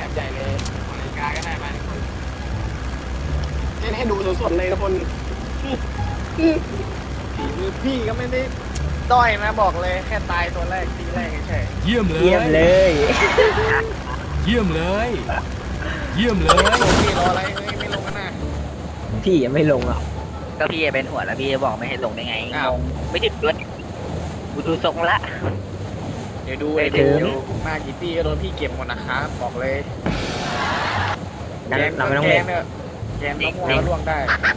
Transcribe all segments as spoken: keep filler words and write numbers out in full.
บใหญ่เลยนาฬิกาก็ได้มาทุกคนเล่นให้ดูสดๆเลยทุกคนฝีมือพี่ก็ไม่ได้ด้อยนะบอกเลยแค่ตายตัวแรกทีแรกเฉยเยี่ยมเลยเยี่ยมเลยเยี่ยมเลย เยี่ยมเลยๆพี่รออะไรไม่ไม่ลงกันนะพี่ยังไม่ลงอ่ะก็พี่เป็นหัวแล้วพี่จะบอกไม่ให้ลงได้ไงอ้าวงงไม่ถึงด้วยกูดูทรงละเดี๋ยวดูไม่เดี๋ยวถึงดูมากี่ปีก็โดนพี่เก็บหมดนะครับบอกเลยงั้นแกงเราไม่ต้องแกเล่งนเนี่ยแกงมะม่วงแล้วล่วงได้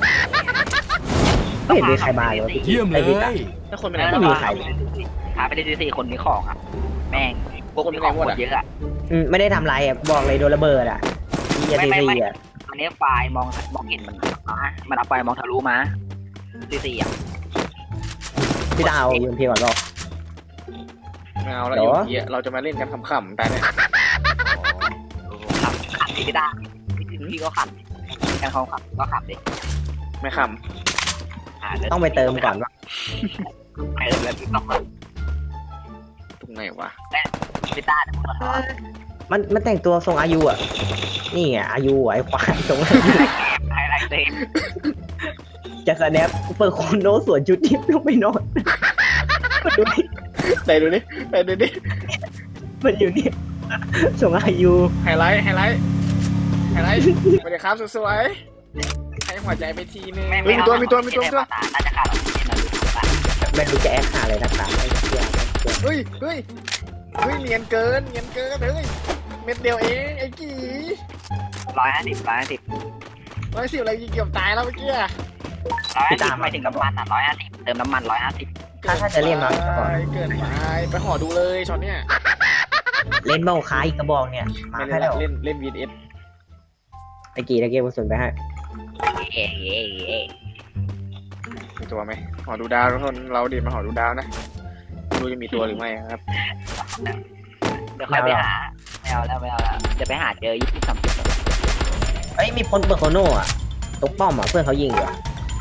ไม่เห็นมีใครมาเลยวะพี่เยี่ยมเลไอ้พี่ตายถ้าคนเป็นแล้ไหนวหมม่ดมีใครเลยหาไปได้สี่คนมีของอ่ะแม่งพวกมีของหมดเยอะอ่ะอืมไม่ได้ทำไรอ่ะบอกเลยโดนระเบิดอ่ะพี่จะไม่ทีไม่ซีไม่อ่ะอันนี้ไฟล์มองมองเห็นมันมามันเอาไฟล์มองทะลุมาสี่สี่อ่ะพี่ตาเอายูเอ็มพีก่อนบอกไม่เอาแล้วเหรออยู่เหี้ยเราจะมาเล่นกันขำๆแต่เนี่ยขับขับพี่ได้พี่ก็ขับการเขาขับก็ขับดิไม่ขต้องไปเติมก่อนว่าไปเติมแล้วพี่ต้องขับำตรงไหนวะพี่ต้าจะพูดว่ามันมันแต่งตัวทรงอายุอ่ะนี่ไงอายุไอ้ควายทรงอายุไฮไลท์เต็มจะสแนปเปิดโคนโนสวนชุดทิพย์ลงไปนอนดูดิไหนดูดิไหนดูดิมันอยู่นี่ทรงอายุไฮไลท์ไฮไลท์ไฮไลท์สวัสดีครับสวยๆให้หัวใจไปทีนึงเฮ้ยมีตัวมีตัวมีตัวมีตัวน่าจะขาดออกซิเจนนะดูดูไปไม่รู้จะแอคหาอะไรนักหนาไอ้เหี้ยไอ้เหี้ยเฮ้ยเฮ้ยเฮ้ยเนียนเกินเนียนเกินเฮ้ยเม็ดเดียวเองไอ้กี่ร้อยห้าสิบร้อยห้าสิบร้อยสิบอะไรเกือบตายแล้วเมื่อกี้ร้อยห้าสิบไม่ถึงน้ำมันอ่ะร้อยห้าสิบเติมน้ำมันร้อยห้าสิบถ้าถ้าจะเล่นมาก่อนเกินไปไปห่อดูเลยช็อตเนี้ยเล่นเบ้าค้าอีกกระบอกเนี่ยมาไม่แค่เล่นแล้วเล่นเล่นวีเอสไอ้กี่ตะเกียบกระสุนไปให้เอ๊ะเอ๊ะเอ๊ะมีตัวไหมห่อดูดาวทุกคนเราดิมาห่อดูดาวนะไม่รู้จะมีตัวหรือไม่ครับเดี๋ยวค่อยไปหาไม่เอาแล้วไม่เอาแล้วจะไปหาเจอยี่สิบสามสิบเอ้ยมีคนเปิดโคโน่อะตกป้อมอะเพื่อนเขายิงอยู่อะ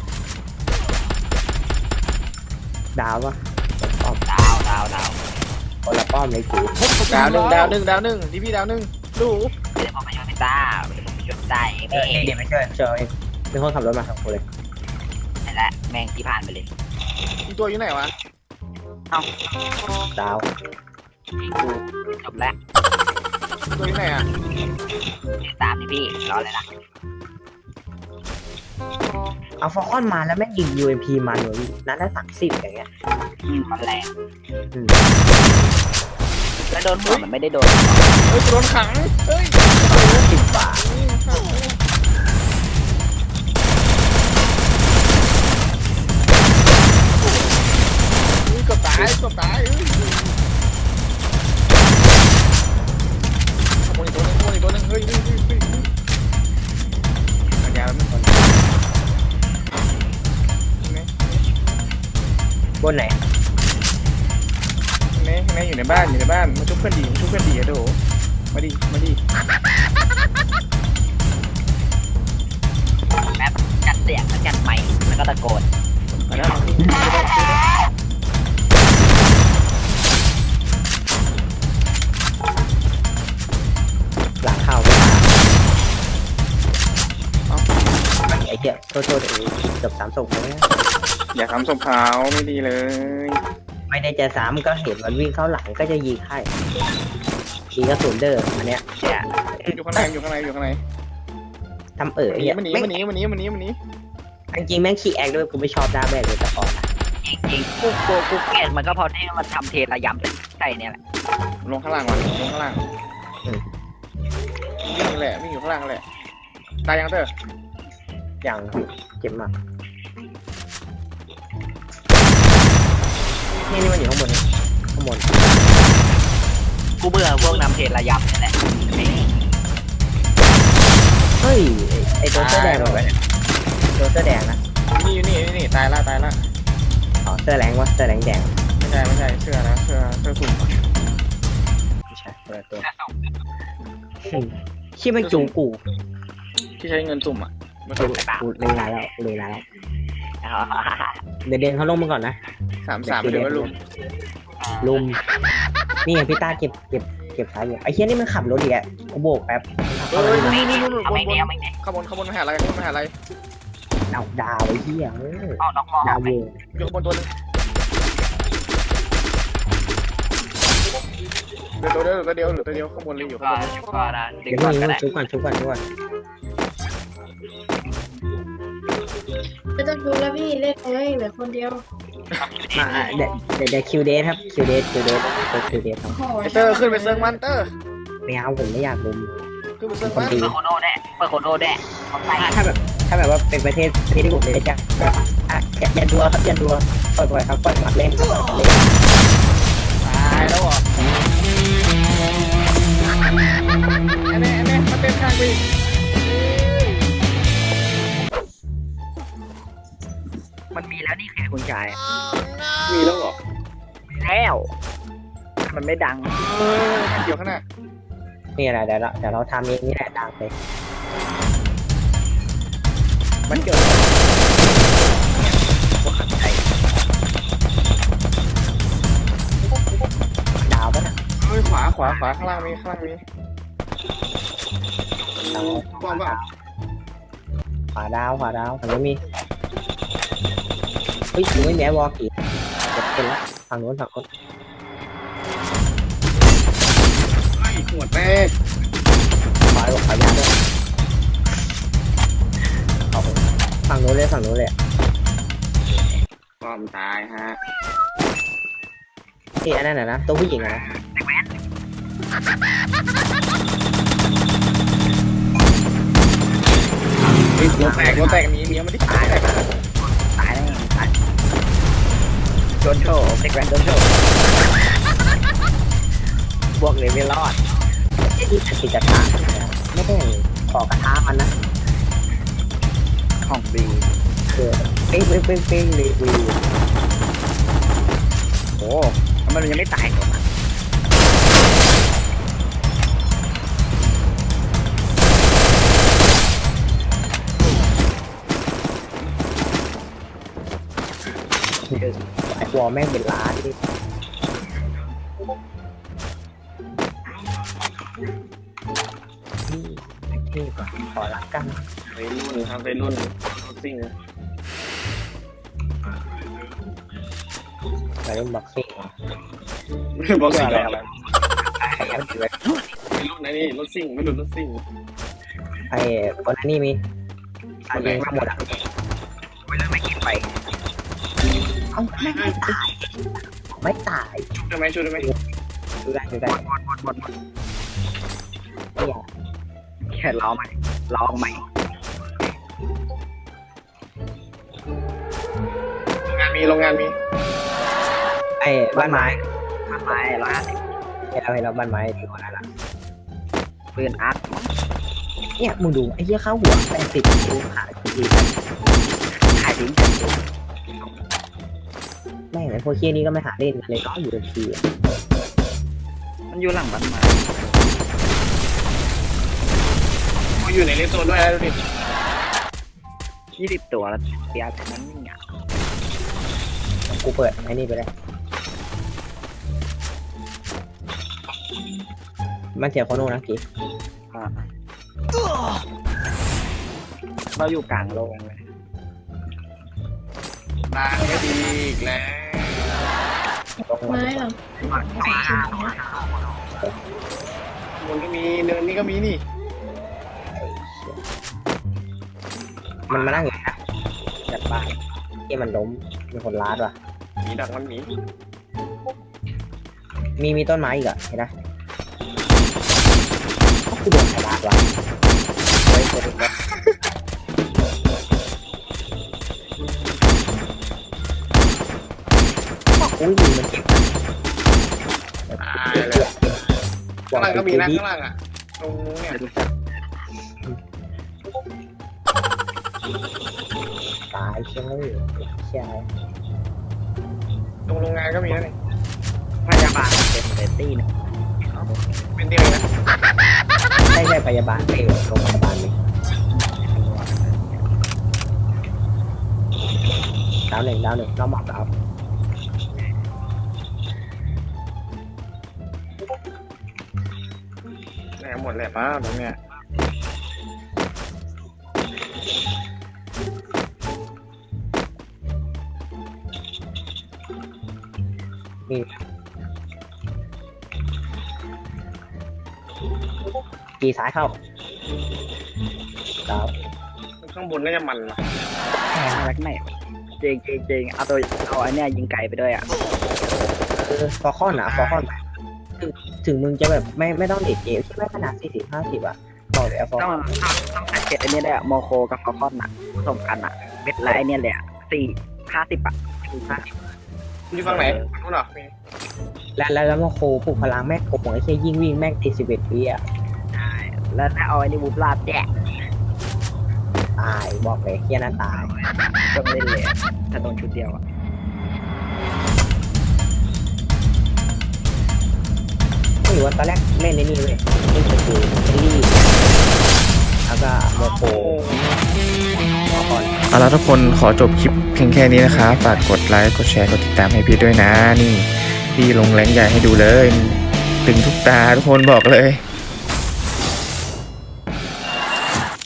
ดาวปะป้อมดาวดาวดาวคนละป้อมเลยกี่ดาวหนึ่งดาวหนึ่งดาวหนึ่งดีพี่ดาวหนึ่งดูเดี๋ยวผมไปช่วยพี่ต้าเดี๋ยวผมไปช่วยพี่ต้าเองเออเดี๋ยวไม่ช่วยช่วยมีคนขับรถมาสองคนเลยนั่นแหละแม่งที่ผ่านไปเลยมีตัวอยู่ไหนวะดาวจบแล้วตัวอยู่ไหนอ่ะตามนี่พี่รอเลยนะเอาฟอลคอนมาแล้วแม่งยิง ยู เอ็ม พี มันเลยนัดละสามสิบอย่างเงี้ยอืมมันแรงอืมแล้วโดนหัวมันไม่ได้โดนเฮ้ยโดนขังเฮ้ยสิบบาทอุ้ยเกือบตายเกือบตายเฮ้ยขโมยตัวนึงขโมยตัวนึงเฮ้ยเฮ้ยเฮ้ยเฮ้ยปัญญาแล้วมันคนนี่บนไหนนี่นี่อยู่ในบ้านอยู่ในบ้านมาชุบเพื่อนดีมาชุบเพื่อนดีอะโดมาดิมาดิแป๊บจัดเสียงแล้วจัดไมค์แล้วก็ตะโกนมาแล้วหลังเข้าไม่มาไอ้เหี้ยโทษโทษไอ้เกือบสามศพเลยอย่าทำศพขาวไม่ดีเลยไม่ได้จะซ้ำก็เห็นมันวิ่งเข้าหลังก็จะยิงให้ยิงกระสุนเด้ออันเนี้ยเนี่ยอยู่ข้างในอยู่ข้างในอยู่ข้างในทำเอ๋อหนีเนี่ยมันหนีแม่งมันหนีมันหนีมันหนีมันหนีจริงๆแม่งขี้แอคด้วยกูไม่ชอบหน้าแม่เลยแต่ก่อนนะจริงๆกูกูกูเกลียดมันก็เพอที่มันทำเทระยำใส่เนี่ยแหละลงข้างล่างก่อนลงข้างล่างวิ่งแหละวิ่งอยู่ข้างล่างแหละตายยังเตอร์อย่างเจ็บมากนี่นี่มันอยู่ข้างบนนี่ข้างบนกูเบื่อพวกนำเทระยำนี่แหละเฮ้ยไอ้ตัวเสื้อแดงเหรอวะเนี่ยตัวเสื้อแดงนะนี่อยู่นี่นี่ตายละตายละอ๋อเสื้อแรงวะเสื้อแรงแดงไม่ใช่ไม่ใช่เสื้อนะเสื้อเสื้อสุ่มไม่ใช่ตัวตัวชื่อมันจูกูที่ใช้เงินสุ่มอ่ะมันกูสุ่มกูเลยลาแล้วกูเลยลาแล้วเดี๋ยวเดินเขาลงมาก่อนนะสามสามเดี๋ยวว่าลุมลุมนี่ไงพี่ต้าเก็บเก็บเก็บซ้ายอยู่ไอ้เฮียนี่มันขับรถอีกอ่ะกูโบกแป๊บเฮ้ยนี่นี่นี่บเอานไม่บแน่นเอาไม่แน่ขบวนขบวนมหาอะไรขบวนมหาอะไรดาวดาวไอ้เฮียเออเอาน้องมอดาวไปเวงอยู่ขบวนตัวนึงเหลือตัวเดียวเหลือตัวเดียวเหลือตัวเดียวขบวนเลยอยู่ขบก็วนชุบก็ได้ดึเดี๋งยวก่อนนี้ก็ได้ชุบก่อนชุบก่อนชุบก่อนไม่ต้องดูแล้วพี่เล่นเลยเหลือคนเดียวมาอ่ะเดี๋ยวเดี๋ยวเดี๋ยวคิวเดทครับคิวเดทคิวเดทคิวเดทครับโอ้โหไอเตอร์ขึ้นไปเซิร์ฟมันเตอร์ไม่เอาผมไม่อยากลุมขึ้นไปเซิร์ฟมันเปิดโคโน่แน่เปิดโคโน่แน่เอาไปถ้าแบบถ้าแบบว่าเป็นประเทศประเทศที่ผมเลยจะก็อ่ะอย่าอย่าดัวครับอย่าดัวปล่อยปล่อยครับปล่อยมาเล่นปล่อยมาเล่นตายแล้วเหรออันนี้อันนี้มาเต้นข้างวีมันมีแล้วนี่คือคุณชายมีแล้วเหรอมีแล้วมันไม่ดังเออมันเกี่ยวข้างหน้านี่แหละเดี๋ยวเราเดี๋ยวเราทำเองนี่แหละดังเลยมันเกิดพวกขัดใจดาวปะน่ะเฮ้ยขวาขวาขวาข้างล่างมีข้างล่างมีป้อมเปล่าขวาดาวขวาดาวฝั่งนู้นมีเฮ้ยอยู่ไม่แม้วอลกี่เจ็บเป็นละฝั่งนู้นฝั่งนู้นไอ้หัวแตกขวาขวายาวด้วยเอาฝั่งนู้นเลยฝั่งนู้นเลยความตายฮะนี่อันนั้นน่ะนะตัวผู้หญิงอะนะเฮ้ยหัวแตกหัวแตกมีมีมันที่ตายแตกตายแน่ตายโดนโชว์เด็กแว้นโดนโชว์บวกเลยไม่รอดไอ้ที่ติดกระทะไม่ได้ขอกระทะมันนะของบีคือเป้งเป้งเป้งเป้งเลยวีโอ้มันยังไม่ตายตัวมันไอ้วอลแม่งเป็นล้านดินี่ก่อนขอรักกันไปรุ่นครับไปรุ่นซิ่งไปเล่นบ็อกซิ่งบอกสิ่งอะไรอะไรไปรุ่นไหนนี่รถซิ่งไม่รุ่นรถซิ่งไอ้คนนั้นนี่มีคนเองมาหมดอ่ะไม่เลิกไม่กินไปเอ้าไม่ไม่ตายไม่ตายชุดได้ไหมชุดได้ไหมดูได้ดูได้หมดหมดหมดหมดเนี่ยแค่ล้อใหม่ล้อใหม่งานมีโรงงานมีไอ้บ้านไม้บ้านไม้ร้อยห้าสิบเห็นเราเห็นเราบ้านไม้ที่คนนั้นละปืนอาร์ตเนี่ยมึงดูไอ้เหี้ยเข้าหัวแปดสิบดูขาทีขายทิ้งแม่งไอ้พวกเคี้ยนี้ก็ไม่หาเล่นกันเลยเนาะอยู่ทีมันอยู่หลังบ้านไม้กูอยู่ในเลนโซนด้วยนะดูดิยี่สิบตัวแล้วเสียแต่นั้นไม่อยากกูเปิดไอ้นี่ไปเลยมันเสียโคโน่นะกี้อ่าเราอยู่กลางโลงเลยนางก็ดีอีกแล้วไม้เหรอมันก็มีเนินนี่ก็มีนี่มันมานั่งอยู่นะจัดบ้านที่มันล้มมีคนล้าดว่ะมีดักมันมีมีมีต้นไม้อีกอะเห็นไหมกูโดนใครล้าดวะเฮ้ยเฮ้ยเฮ้ยอุ้ยมันเจ็บตายเลยข้างล่างก็มีนะข้างล่างอ่ะตรงเนี่ยไม่รู้จักตายเชื่อเลยเชื่อตรงโรงงานก็มีนะนี่พยาบาลเป็นเซตี้นะเป็นเดียวนะใช่ใช่พยาบาลไปโรงพยาบาลเลยดาวหนึ่งดาวหนึ่งน้องหมอกดาวแหมหมดเลยป้าตรงเนี้ยมีกีซ้ายเข้าครับข้างบนน่าจะมันว่ะแม็กไหนเจงเจงเจงเอาตัวเอาอันเนี้ยยิงไก่ไปด้วยอ่ะเออฟอร์คอนอ่ะฟอร์คอนถึงถึงมึงจะแบบไม่ไม่ต้องเด็ดเกมที่ไม่ขนาดสี่สิบห้าสิบอ่ะบอกเลยฟอร์ต้คองอนต้องใส่เก็ตอันนี้เลยอะโมโคกับฟอลคอนอะผสมกันอะเม็ดละไอเนี้ยเลยอะสี่ห้าสิบอะสี่ห้าสิบอยู่ฝั่งไหนฝั่งนู้นเหรอและแล้วแล้วมาโคปลุกพลังแม่งโกงไอ้เชี่ยยิ่งวิ่งแม่งตีสิบเอ็ดวิอ่ะแล้วถ้าเอาไอ้นี่บูปลาดแดกตายบอกเลยเฮียน่าตายต้องเล่นเลยอะถ้าโดนชุดเดียวอะไม่รู้ว่าตอนแรกเล่นในนี่เว้ยเล่นสกูเอลลี่แล้วก็โมโคฟอร์คอนเอาละทุกคนขอจบคลิปเพียงแค่นี้นะครับฝากกดไลค์กดแชร์กดติดตามให้พี่ด้วยนะนี่พี่ลงแรงใหญ่ให้ดูเลยตึงทุกตาทุกคนบอกเลย